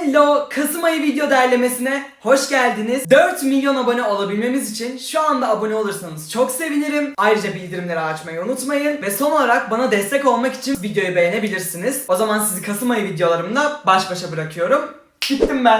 Hello! Kasım ayı video derlemesine hoş geldiniz. 4 milyon abone olabilmemiz için şu anda abone olursanız çok sevinirim. Ayrıca bildirimleri açmayı unutmayın. Ve son olarak bana destek olmak için videoyu beğenebilirsiniz. O zaman sizi Kasım ayı videolarımda baş başa bırakıyorum. Gittim ben.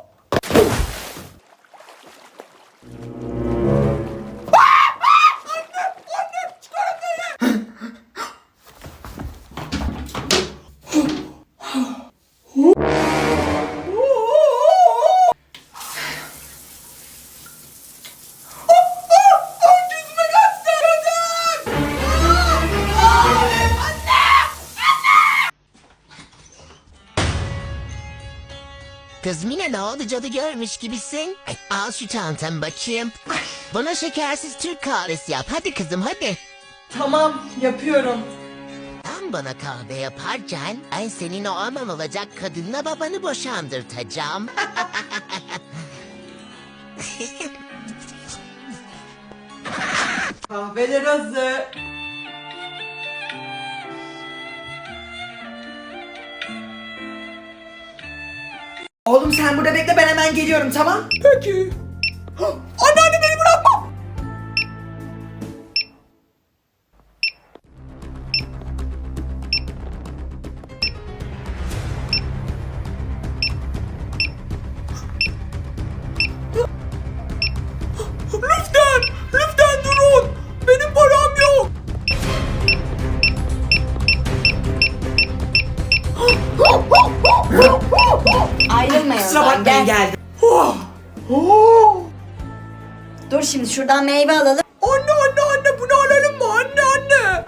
Kız Mine, ne oldu, cadı görmüş gibisin? Al şu çantamı bakayım. Bana şekersiz Türk kahvesi yap. Hadi kızım, hadi. Tamam, yapıyorum. Sen bana kahve yaparken ben senin o aman olacak kadınla babanı boşandırtacağım. Kahveler hazır. Oğlum sen burada bekle, ben hemen geliyorum, tamam? Peki. Anneanne, beni bırakma. Lütfen durun. Benim param yok. Ayrılma Kusura yoldan, bakmayın, gel. geldim. Dur şimdi şuradan meyve alalım. Anne bunu alalım mı? Anne.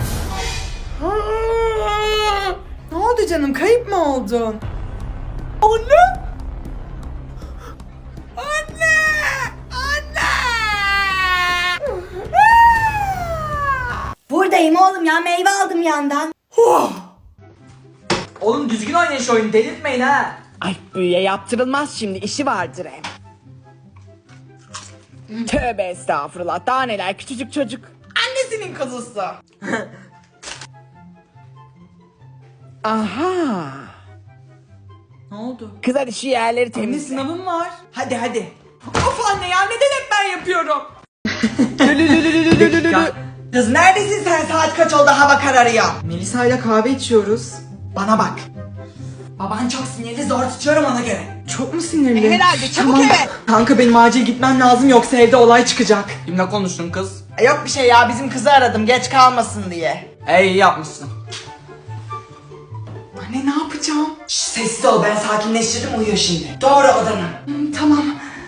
Ne oldu canım, kayıp mı oldun? Anne. Buradayım oğlum ya, meyve aldım yandan. Oğlum düzgün oynayın şu oyunu, delirtmeyin ha. Ay, büyüye yaptırılmaz, şimdi işi vardır hem. Tövbe estağfurullah, daha neler, küçücük çocuk. Annesinin kuzusu. Aha. Ne oldu? Kız, hadi şu yerleri Anne, temizle. sınavım var. Hadi. Of anne ya, neden hep ben yapıyorum? Kız neredesin sen? Saat kaç oldu, hava kararıyor. Melisa ile kahve içiyoruz. Bana bak. Baban çok sinirli, zor tutuyorum ona göre. Çok mu sinirli? Herhalde, çabuk eve. Kanka benim acil gitmem lazım, yoksa evde olay çıkacak. Kimle konuştun kız? Yok bir şey ya, bizim kızı aradım geç kalmasın diye. İyi yapmışsın. Anne, ne yapacağım? Şş, sessiz ol, ben sakinleştirdim, uyuyor şimdi. Doğru odana. Tamam.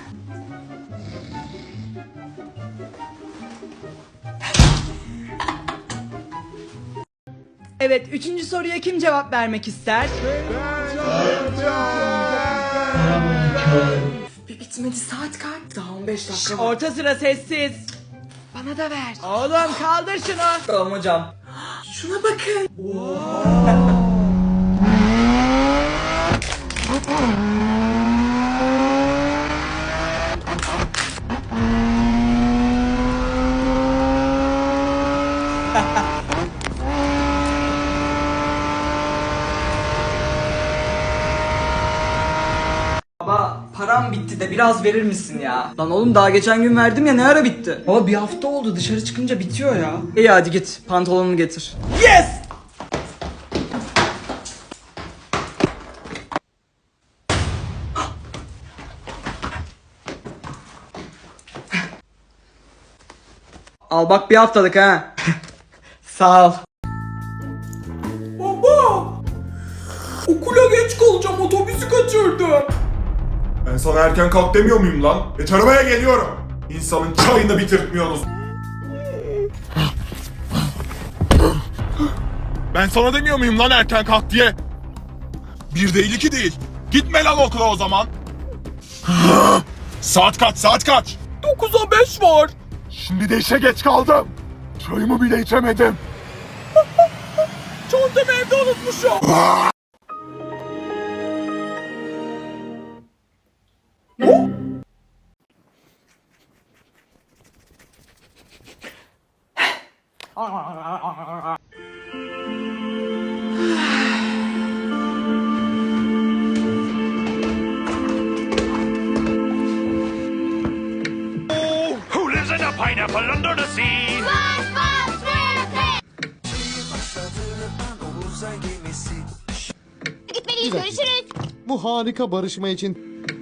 Evet, 3. soruya kim cevap vermek ister? Bir bitmedi, saat kaç? Daha 15 dakika var. Orta sıra sessiz. Bana da ver. Oğlum kaldır şunu. Tamam hocam. Şuna bakın. Baba, param bitti de biraz verir misin ya? Lan oğlum, daha geçen gün verdim ya, ne ara bitti? Baba, bir hafta oldu, dışarı çıkınca bitiyor ya. İyi hadi git, pantolonunu getir. Yes! Al bak, bir haftalık ha. Sağ ol. Baba! Okula geç kalacağım, otobüsü kaçırdım. Ben sana erken kalk demiyor muyum lan? Geç arabaya, geliyorum. İnsanın çayını bitirtmiyorsunuz. Ben sana demiyor muyum lan erken kalk diye? Bir değil, iki değil. Gitme lan okula o zaman. Saat kaç? 9'a 5 var. Şimdi de işe geç kaldım. Çayımı bile içemedim. Çantamı evde unutmuşum. fall under the sea. Gitmeliyiz, görüşürüz. Bu harika barışma için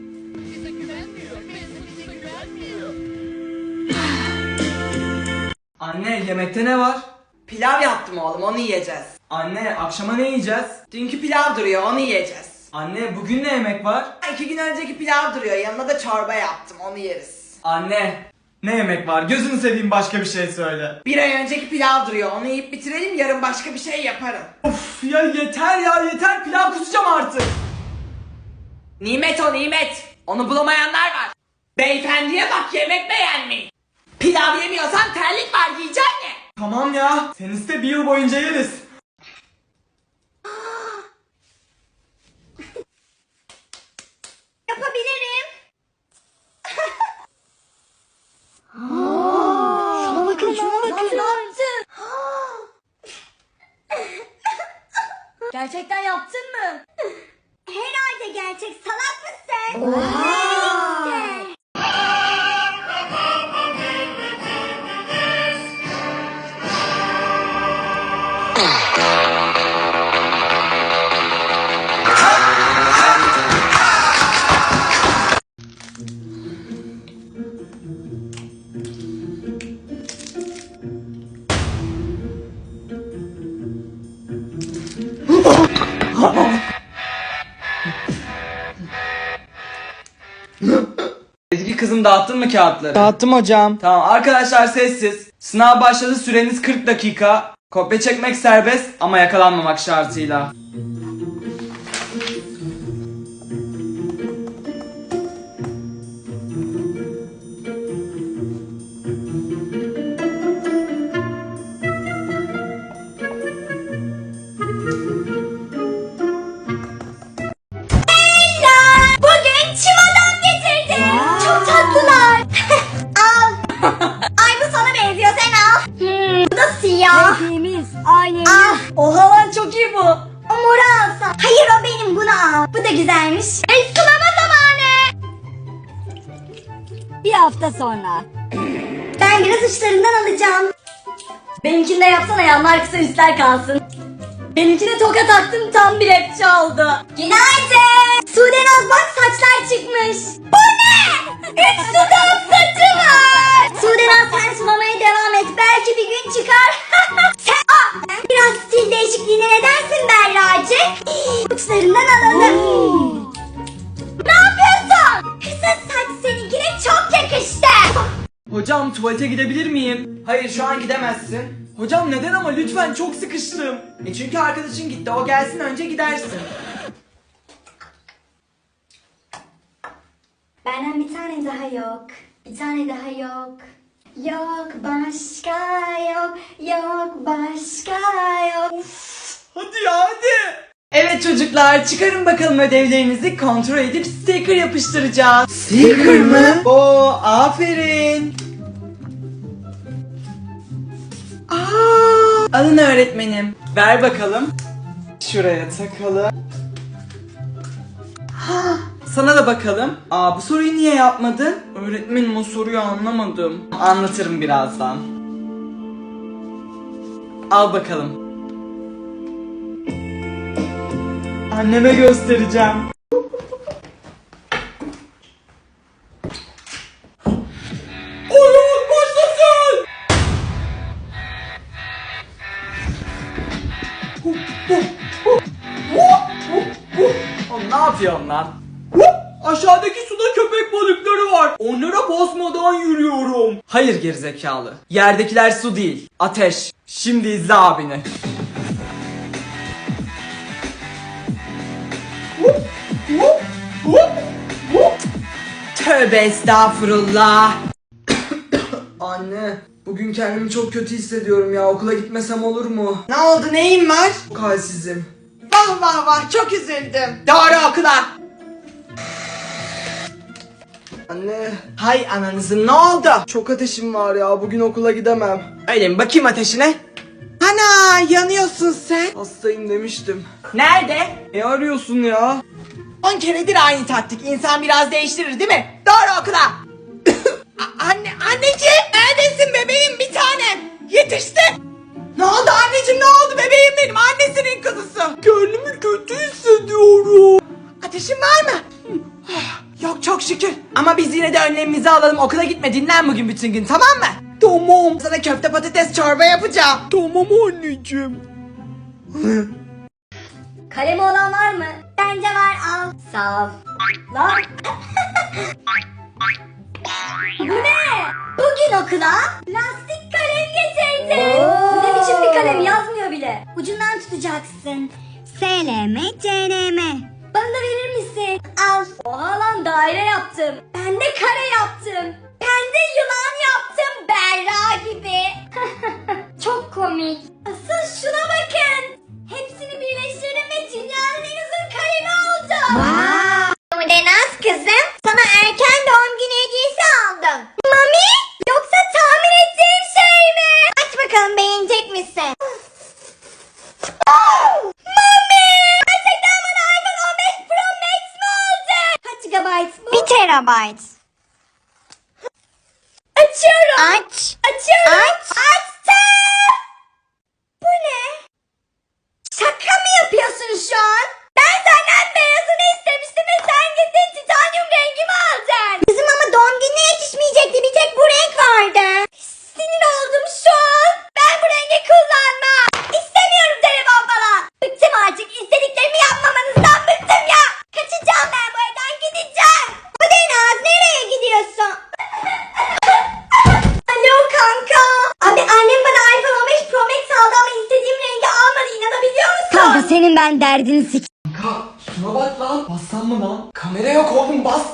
Anne, yemekte ne var? Pilav yaptım oğlum, onu yiyeceğiz. Anne, akşama ne yiyeceğiz? Dünkü pilav duruyor, onu yiyeceğiz. Anne, bugün ne yemek var? 2 gün önceki pilav duruyor, yanına da çorba yaptım, onu yeriz. Anne, ne yemek var? Gözünü seveyim, başka bir şey söyle. 1 ay önceki pilav duruyor, onu yiyip bitirelim, yarın başka bir şey yaparım. Of ya, yeter ya, yeter, pilav kusacağım artık. Nimet o nimet. Onu bulamayanlar var. Beyefendiye bak, yemek beğenmeyin. Pilav yemiyorsan terlik var, yiyeceksin ya. Tamam ya, sen iste, bir yıl boyunca yeriz. Yapabilirim. Şuna bakın, şuna bakın. Gerçekten yaptın mı? Herhalde gerçek, salak mısın? İşte. Ezgi kızım, dağıttın mı kağıtları? Dağıttım hocam. Tamam arkadaşlar, sessiz. Sınav başladı, süreniz 40 dakika. Kopya çekmek serbest ama yakalanmamak şartıyla. Bugün çim adam getirdim. Çok tatlılar. Al. Ay bu sana benziyor, sen al. Bu da siyah. Hepimiz aynı. Al. Oha lan, çok iyi bu. O moru alsam. Hayır o benim, bunu al. Bu da güzelmiş. Sınava zamanı. Bir hafta sonra. Ben biraz uçlarından alacağım. Benimkini de yapsana, yanlar kısa üstler kalsın. Benimkine toka taktım, tam bir rapçi oldu. Günaydın. Sudenaz bak, saçlar çıkmış. Bu ne? 3 sudan saçı var. Sudenaz sen sulamaya devam et. Belki bir gün çıkar. Sen biraz stil değişikliğine ne dersin Berracık? Uçlarından alalım. Ne yapıyorsun? Kısa saç seninkine çok yakıştı. Hocam, tuvalete gidebilir miyim? Hayır, şu an gidemezsin. Hocam neden ama, lütfen, çok sıkıştım. Çünkü arkadaşın gitti, o gelsin önce gidersin. Benden bir tane daha yok. Bir tane daha yok. Yok başka yok. Yok başka yok. Hadi ya, hadi. Evet çocuklar, çıkarın bakalım ödevlerinizi, kontrol edip sticker yapıştıracağız. Sticker mı? Oo, aferin. Alın öğretmenim. Ver bakalım. Şuraya takalım. Sana da bakalım. Bu soruyu niye yapmadın? Öğretmenim, o soruyu anlamadım. Anlatırım birazdan. Al bakalım. Anneme göstereceğim. Oyun başlasın! Oğlum ne yapıyorsun lan? Aşağıdaki suda köpek balıkları var. Onlara basmadan yürüyorum. Hayır gerizekalı. Yerdekiler su değil, ateş. Şimdi izle abini. Tövbe estağfurullah. Anne, bugün kendimi çok kötü hissediyorum ya. Okula gitmesem olur mu? Ne oldu, neyin var? Halsizim. Vah vah vah, çok üzüldüm. Doğru okula. Anne, Hay ananızın, ne oldu? çok ateşim var ya. Bugün okula gidemem. Öyle mi, bakayım ateşine. Ana, yanıyorsun sen. Hastayım demiştim. Nerede? Arıyorsun ya? 10 keredir aynı taktik. İnsan biraz değiştirir değil mi? Doğru okula. Anneciğim. Neredesin bebeğim bir tanem? Yetişti. Ne oldu anneciğim, ne oldu bebeğim benim, annesinin kızısı. Kendimi kötü hissediyorum. Ateşin var mı? Yok çok şükür. Ama biz yine de önlemimizi alalım. Okula gitme, dinlen bugün bütün gün, tamam mı? Tamam. Sana köfte patates çorba yapacağım. Tamam anneciğim. Kalemi olan var mı? Bence var, al. Sağ ol. Lan. Bu ne? Bugün okula lastik kalem getirdim. Bu ne biçim bir kalem, yazmıyor bile. Ucundan tutacaksın. SLM, CLM. Bana da verir misin? Al. Oha lan, daire yaptım. Ben de kare yaptım. Ben de yılan yaptım, Berra gibi. Çok komik. Asıl şuna bakın. Hepsini birleştirdim ve dünyanın en uzun kalemi oldu. Udenaz kızım, sana erken doğum günü hediyesi aldım. Mami, yoksa tahmin ettiğim şey mi? Aç bakalım, beğenecek misin? Mami! Gerçekten bana iPhone 15 Pro Max mi aldın? Kaç GB bu? 1 TB. Açıyorum. Aç. Açıyorum. Aç. Açtım. Bu ne? Şaka mı yapıyorsun şu an? Ben senden beyazını istemiştim ve sen gittin titanyum rengimi aldın. Kızım ama doğum gününe yetişmeyecekti. Bir tek bu renk vardı. Sinir oldum şu an. Ben bu rengi kullanmam. İstemiyorum telefon falan. Bıktım artık. İstediklerimi yapmamanızdan bıktım ya. Kaçacağım ben bu evden, gideceğim. Bu Denaz, nereye gidiyorsun? Alo kanka. Abi annem bana iPhone 15 Pro Max aldı ama istediğim rengi almadı, inanabiliyor musun? Kanka senin ben derdini sik. Kanka şuna bak lan. Bassam mı lan? Kamera yok oğlum, bas.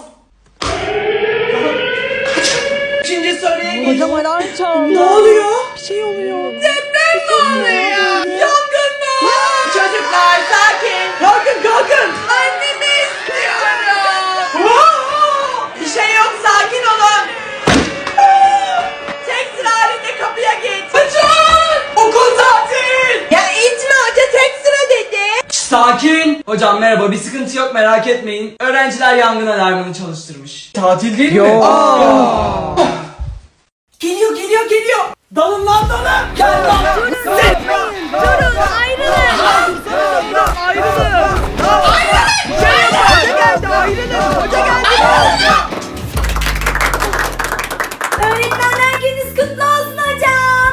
Üçüncü soruya gel. Hocam alarm çaldı. Ne oluyor? Bir şey oluyor. Deprem mi oluyor? Yangın mı? Çocuklar sakin. Kalkın kalkın. Annemi istiyorum. Bir şey yok, sakin olun. Tek sıra halinde kapıya git. Açın. Okul tatil. Ya itme, hoca tek sıra dedi. Sakin. Hocam merhaba, bir sıkıntı yok, merak etmeyin. Öğrenciler yangın alarmını çalıştırmış. Tatil değil mi? Geliyor geliyor geliyor. Dalın lan dalın. Gel lan. Durun, ayrılın. Öğretmenler gününüz kutlu olsun hocam.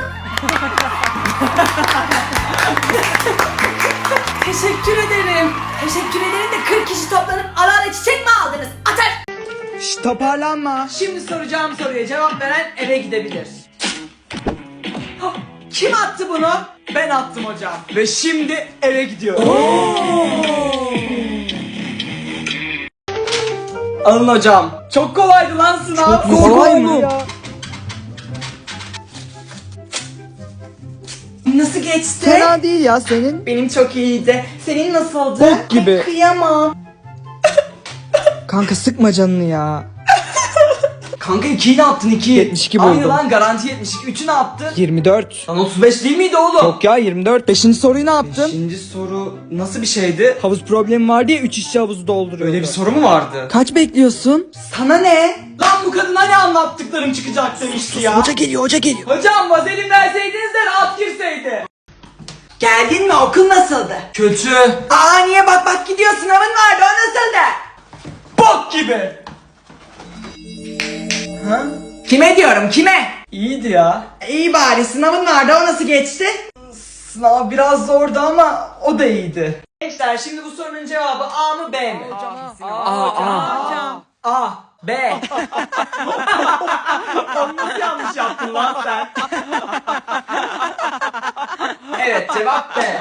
Teşekkür ederim. Teşekkür ederim de 40 kişi toplanıp ara ara çiçek mi aldınız? Atar. Şşş, toparlanma. Şimdi soracağım soruya cevap veren eve gidebilir. Hah, kim attı bunu? Ben attım hocam. Ve şimdi eve gidiyorum. Alın hocam. Çok kolaydı lan sınav. Çok kolay mı? Nasıl geçti? Fena değil ya senin. Benim çok iyiydi. Senin nasıldı? Bok gibi. Ay, kıyamam. Kanka sıkma canını ya. Kanka 2'yi ne yaptın 2? 72 Aynı buldum. lan, garanti 72. 3'ü ne yaptın? 24. Lan 35 değil miydi oğlum? Yok ya 24. 5. soruyu ne yaptın? 5. soru nasıl bir şeydi? Havuz problemi var diye 3 işçi havuzu dolduruyor. Öyle bir soru mu vardı? Kaç bekliyorsun? Sana ne? Lan bu kadına ne anlattıklarım çıkacak demişti ya. Hoca geliyor, hoca geliyor. Hocam vazelin verseydiniz de rahat girseydi. Geldin mi? Okul nasıldı? Kötü. Aa niye bak gidiyor, sınavın vardı, o nasıldı? Bok gibi. Ha? Kime diyorum, kime? İyiydi ya. İyi bari, sınavın vardı, o nasıl geçti? Sınav biraz zordu ama o da iyiydi. Gençler şimdi bu sorunun cevabı A mı B mi? A, B. Onu nasıl yanlış yaptın lan sen? Evet, cevap B.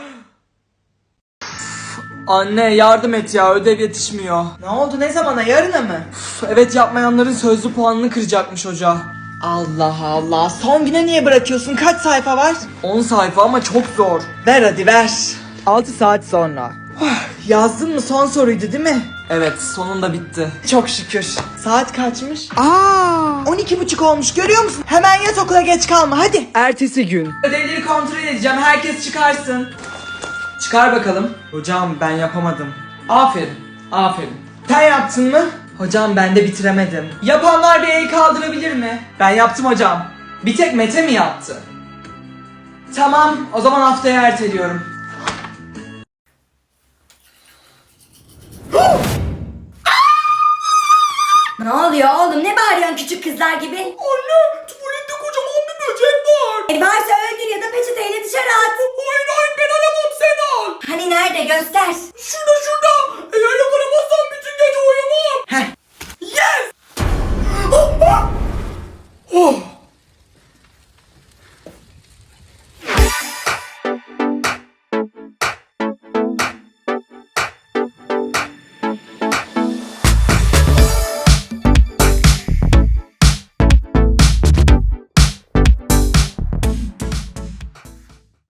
Anne yardım et ya, ödev yetişmiyor. Ne oldu, ne zamana, yarına mı? Evet, yapmayanların sözlü puanını kıracakmış hoca. Allah Allah, son güne niye bırakıyorsun, kaç sayfa var? 10 sayfa ama çok zor. Ver hadi ver. 6 saat sonra. Yazdın mı, son soruydu değil mi? Evet, sonunda bitti. Çok şükür. Saat kaçmış? 12:30 olmuş, görüyor musun? Hemen yat, okula geç kalma hadi. Ertesi gün. Ödevleri kontrol edeceğim, herkes çıkarsın. Çıkar bakalım. Hocam ben yapamadım. Aferin, aferin. Sen yaptın mı? Hocam ben de bitiremedim. Yapanlar bir el kaldırabilir mi? Ben yaptım hocam. Bir tek Mete mi yaptı? Tamam, o zaman haftaya erteliyorum. Ne oluyor oğlum, ne bağırıyorsun küçük kızlar gibi? Anne, tuvalette kocaman bir böcek var. Varsa öldür ya da peçeteyle dışarı at. Hayır hayır, ben alamam, sen al. Hani nerede, göster. Şurada